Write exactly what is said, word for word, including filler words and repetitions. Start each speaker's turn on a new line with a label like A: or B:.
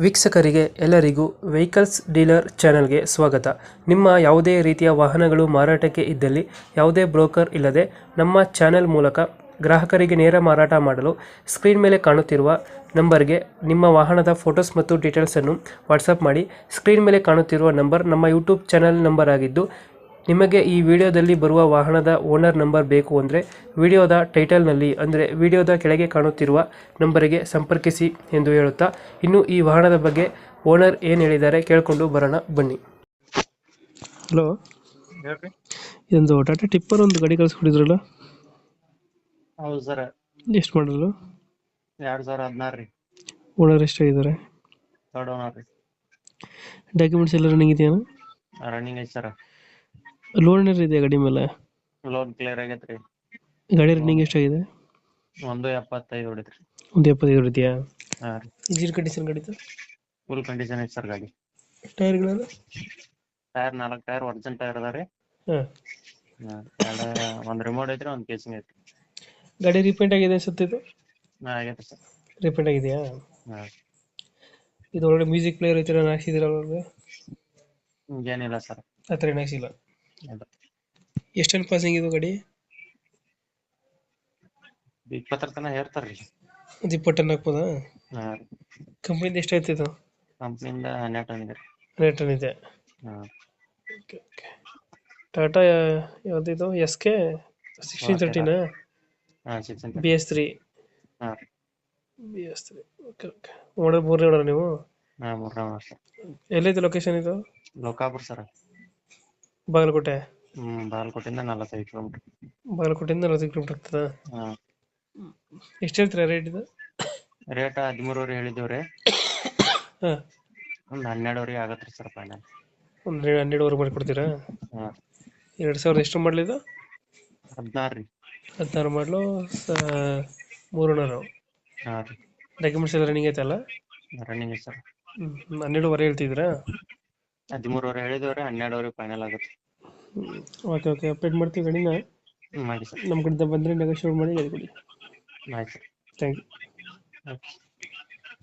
A: ವೀಕ್ಷಕರಿಗೆ ಎಲ್ಲರಿಗೂ vehicles dealer ಚಾನೆಲ್ಗೆ ಸ್ವಾಗತ. ನಿಮ್ಮ ಯಾವುದೇ ರೀತಿಯ ವಾಹನಗಳು ಮಾರಾಟಕ್ಕೆ ಇದ್ದಲ್ಲಿ ಯಾವುದೇ ಬ್ರೋಕರ್ ಇಲ್ಲದೆ ನಮ್ಮ ಚಾನೆಲ್ ಮೂಲಕ ಗ್ರಾಹಕರಿಗೆ ನೇರ ಮಾರಾಟ ಮಾಡಲು ಸ್ಕ್ರೀನ್ ಮೇಲೆ ಕಾಣುತ್ತಿರುವ ನಂಬರ್ಗೆ ನಿಮ್ಮ ವಾಹನದ ಫೋಟೋಸ್ ಮತ್ತು ಡೀಟೇಲ್ಸನ್ನು ವಾಟ್ಸಪ್ ಮಾಡಿ. ಸ್ಕ್ರೀನ್ ಮೇಲೆ ಕಾಣುತ್ತಿರುವ ನಂಬರ್ ನಮ್ಮ ಯೂಟ್ಯೂಬ್ ಚಾನೆಲ್ ನಂಬರ್ ಆಗಿದ್ದು, ನಿಮಗೆ ಈ ವಿಡಿಯೋದಲ್ಲಿ ಬರುವ ವಾಹನದ ಓನರ್ ನಂಬರ್ ಬೇಕು ಅಂದರೆ ವಿಡಿಯೋದ ಟೈಟಲ್ನಲ್ಲಿ ಅಂದರೆ ವಿಡಿಯೋದ ಕೆಳಗೆ ಕಾಣುತ್ತಿರುವ ನಂಬರಿಗೆ ಸಂಪರ್ಕಿಸಿ ಎಂದು ಹೇಳುತ್ತಾ, ಇನ್ನು ಈ ವಾಹನದ ಬಗ್ಗೆ ಓನರ್ ಏನು ಹೇಳಿದ್ದಾರೆ ಕೇಳಿಕೊಂಡು ಬರೋಣ ಬನ್ನಿ. ಹಲೋ,
B: ಹೇಳ್ರಿ.
A: ಇದೊಂದು ಟಾಟಾ ಟಿಪ್ಪರ್ ಒಂದು ಗಾಡಿ ಕಳಿಸ್ಕೊಟ್ಟಿದ್ರಲ್ಲ,
B: ಹೌದು ಸರ್.
A: ಎಷ್ಟು ಮಾಡಲು?
B: ಎರಡ್ ಸಾವಿರ ಹದಿನಾರು ರೀ.
A: ಓನರ್ ಎಷ್ಟಾಗಿದ್ದಾರೆ?
B: ಥರ್ಡ್ ಓನರ್ ರೀ.
A: ಡಾಕ್ಯುಮೆಂಟ್ಸ್ ಎಲ್ಲ ರನ್ನಿಂಗ್ ಇದೆಯಾ?
B: ರನ್ನಿಂಗ್ ಐತಿ ಸರ್.
A: ಲೋನ್ ಏನಾರು ಇದೆಯಾ ಗಾಡಿ ಮೇಲೆ?
B: ಲೋನ್ ಕ್ಲಿಯರ್ ಆಗೈತ್ರಿ.
A: ಗಾಡಿ ರನ್ನಿಂಗ್ ಎಷ್ಟಾಗಿದೆ?
B: ಒಂದು ಎಪ್ಪತ್ತೈದು ಹೊಡಿತ್ರಿ.
A: ಒಂದು ಎಪ್ಪತ್ತೈದು ಇದೆಯಾ?
B: ಹಾ ರೀ.
A: ಇಂಜಿನ್ ಕಂಡೀಷನ್ ಗಾಡಿದು?
B: ಫುಲ್ ಕಂಡೀಷನ್ ಐತಿ ಸರ್ ಗಾಡಿ.
A: ಟೈರ್ಗಳೆಲ್ಲ?
B: ಟೈರ್ ನಾಲ್ಕು ಟೈರ್ ಒರಿಜಿನಲ್ ಟೈರ್ ಅದ ರೀ.
A: ಹಾಂ.
B: ಎರಡು ಒಂದು ರಿಮೋಟ್ ಐತ್ರಿ, ಒಂದು ಕೇಸಿಂಗ್ ಐತ್ರಿ.
A: ಗಾಡಿ ರೀಪೇಂಟ್ ಆಗಿದೆ ಅನ್ಸುತ್ತೆ ಇದು?
B: ಹಾ ಆಗೈತೆ ಸರ್.
A: ರೀಪೇಂಟ್ ಆಗಿದೆಯಾ?
B: ಹಾ.
A: ಇದು ಒಳಗಡೆ ಮ್ಯೂಸಿಕ್ ಪ್ಲೇಯರ್ ಐತಿ, ನಾನು ಹಾಕ್ಸಿದ್ದೀರ ಒಳಗಡೆ?
B: ಏನಿಲ್ಲ ಸರ್.
A: ಆ ಥರ ಏನು ಹಾಕ್ಸಿಲ್ಲ?
B: ಇಲ್ಲ.
A: ಎಷ್ಟೆಲ್ಲ ಪಾಸಿಂಗ್ ಇದು ಗಾಡಿ?
B: ಇಪ್ಪತ್ತರ ತನಕ ಹೇರ್ತಾರ್ರಿ.
A: ಒಂದು ಇಪ್ಪತ್ತು ಟನ್ ಹಾಕ್ಬೋದಾ?
B: ಹಾ ರೀ.
A: ಕಂಪ್ನಿಯಿಂದ ಎಷ್ಟಾಯ್ತು ಇದು?
B: ಕಂಪ್ನಿಯಿಂದ ಹನ್ನೆರಡು ಟನ್ ಇದೆ ರೀ.
A: ಹನ್ನೆರಡು ಟನ್ ಇದೆ.
B: ಹಾ.
A: Okay okay. ಟಾಟಾ ಯಾವುದಿದು? ಎಸ್ ಕೆ ಸಿಕ್ಸ್ಟೀನ್ ತರ್ಟಿನಾ?
B: ಹಾ ಸಿಕ್ಸ್
A: ಬಿ ಎಸ್ ತ್ರೀ.
B: ಹಾ ರೀ.
A: B S three. Okay okay. Owner ಮೂರನೇ ಓನರ್ ನೀವು?
B: ಹಾ ಮೂರನೇ ಓನರ್ ಸರ್.
A: ಎಲ್ಲೈತೆ ಲೊಕೇಶನ್ ಇದು?
B: ಲೋಕಾಪುರ ಸರ್.
A: ಬಾಗಲಕೋಟೆ?
B: ಹ್ಮ್ ಬಾಗಲಕೋಟೆಯಿಂದ ನಲವತ್ತೈದು ಕಿಲೋಮೀಟರ್.
A: ಬಾಗಲಕೋಟೆಯಿಂದ ನಲವತ್ತೈದು ಕಿಲೋಮೀಟರ್ ಆಗ್ತದಾ?
B: ಹಾ.
A: ಎಷ್ಟು ಹೇಳ್ತೀರಾ ರೇಟ್ ಇದು?
B: ರೇಟ್ ಹದಿಮೂರುವರೆ ಹೇಳಿದ್ದೇವ್ರಿ.
A: ಹಾಂ.
B: ಒಂದು ಹನ್ನೆರಡುವರೆಗೆ ಆಗತ್ತೆ ರೀ ಸರ್ ಫೈನಲ್.
A: ಒಂದು ಹನ್ನೆರಡುವರೆ ಮಾಡಿ ಕೊಡ್ತೀರಾ?
B: ಹಾ.
A: ಎರಡು ಸಾವಿರದ ಎಷ್ಟು ಮಾಡಲಿದ್ದು?
B: ಹದಿನಾರು ರೀ.
A: ಹದಿನಾರು ಮಾಡಲು ಮೂರು ಓನರು.
B: ಹಾ ರೀ.
A: ಡಾಕ್ಯುಮೆಂಟ್ಸ್ ಎಲ್ಲ ರನ್ನಿಂಗ್ ಐತಲ್ಲ?
B: ರನ್ನಿಂಗ್ ಐತೆ ಸರ್.
A: ಹ್ಞೂ ಹನ್ನೆರಡುವರೆ ಹೇಳ್ತಿದ್ದೀರಾ?
B: ಹದಿಮೂರುವರೆ ಹೇಳಿದೇವ್ರಿ, ಹನ್ನೆರಡುವರೆ ಫೈನಲ್ ಆಗುತ್ತೆ.
A: Okay okay. ಅಪ್ಡೇಟ್ ಮಾಡ್ತೀವಿ ಗಾಡಿನ.
B: ಹ್ಞೂ ಮಾಡಿ ಸರ್.
A: ನಮ್ಮ ಕಡೆಯಿಂದ ಬಂದರೆ ನೆಗೋಷಿಯೇಟ್ ಮಾಡಿ ಗಾಡಿ ಕೊಡಿ.
B: ಆಯ್ತು ಸರ್.
A: Thank you.
B: ಓಕೆ.